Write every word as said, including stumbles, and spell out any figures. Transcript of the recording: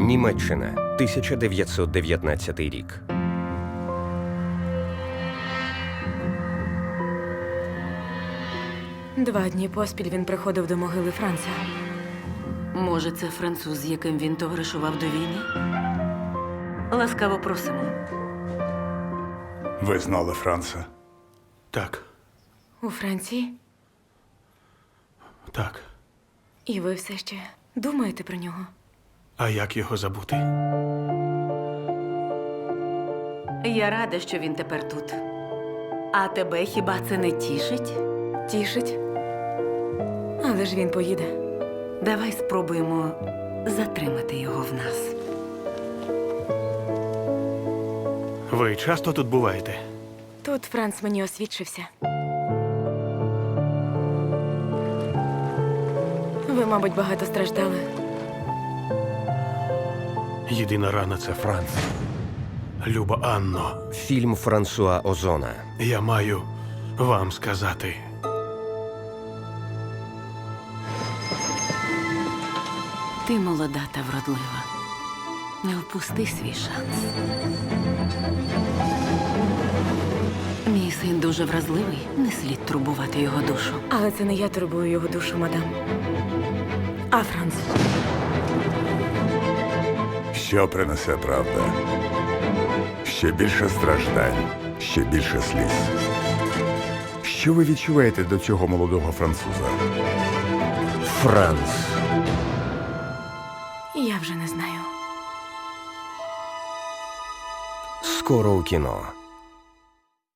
Німеччина, тисяча дев'ятсот дев'ятнадцятий рік. Два дні поспіль він приходив до могили Франца. Може, це француз, з яким він товаришував до війни? Ласкаво просимо. Ви знали Франца? Так, У Франції? так. І ви все ще думаєте про нього? А як його забути? Я рада, що він тепер тут. А тебе хіба це не тішить? Тішить? Але ж він поїде. Давай спробуємо затримати його в нас. Ви часто тут буваєте? Тут Франц мені освідчився. Ви, мабуть, багато страждали. Єдина рана – це Франц. Люба Анно, Фільм Франсуа Озона. я маю вам сказати. Ти молода та вродлива. Не впусти свій шанс. Мій син дуже вразливий. Не слід турбувати його душу. Але це не я турбую його душу, мадам. А Франц. Що принесе правда? Ще більше страждань, ще більше сліз. Що ви відчуваєте до цього молодого француза? Франц. Я вже не знаю. Скоро у кіно.